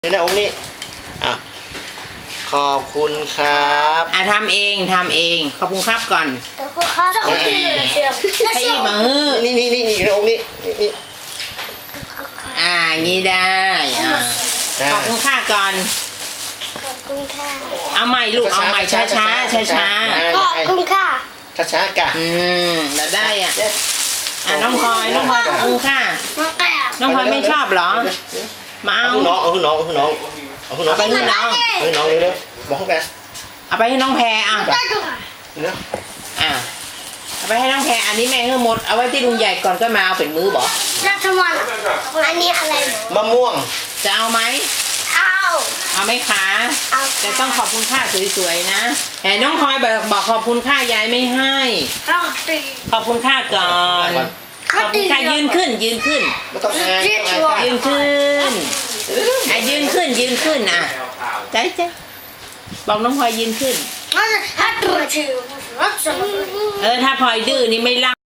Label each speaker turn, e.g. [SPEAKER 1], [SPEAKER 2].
[SPEAKER 1] นี่นะองค์นี้อ่ะขอบคุณครับ
[SPEAKER 2] ทำเองขอบคุณครับก่อนให้อีกมือ
[SPEAKER 1] นี่นะองค์นี้นี่
[SPEAKER 2] งี้ได้ขอบคุณค่าก่อน
[SPEAKER 3] ขอบคุณค่ะ
[SPEAKER 2] เอาใหม่ลูกเอาใหม่ช้า
[SPEAKER 3] ขอบคุณค่ะ
[SPEAKER 1] ช้ากะ
[SPEAKER 2] แล้วได้น้องพลอยขอบคุณค่ะน้องพลอยไม่ชอบเหรอมาเอา
[SPEAKER 1] น้องเอาน้องไปน้องเร็วบอกเขาแก
[SPEAKER 2] เอาไปให้น้องแพรเอาไปให้น้องแพรอันนี้แม่เฮือหมดเอาไว้ที่ลุงใหญ่ก่อนก็มาเอาเป็นมือบอก
[SPEAKER 3] รัฐมนอันนี้อะไร
[SPEAKER 1] มะม่วง
[SPEAKER 2] จะเอาไหมเอาไหมคะแต่ต้องขอบคุณค่าสวยๆนะแต่น้องพลอยบอกขอบคุณค่ายายไม่ให้ขอบคุณค่าก่อนขอบคุณค่ายืนขึ้น
[SPEAKER 1] ไม่ต้อง
[SPEAKER 2] ยืนขึ้นใจบอกน้องพลอยยืนขึ้นถ้าพลอยดื้อนี่ไม่รัก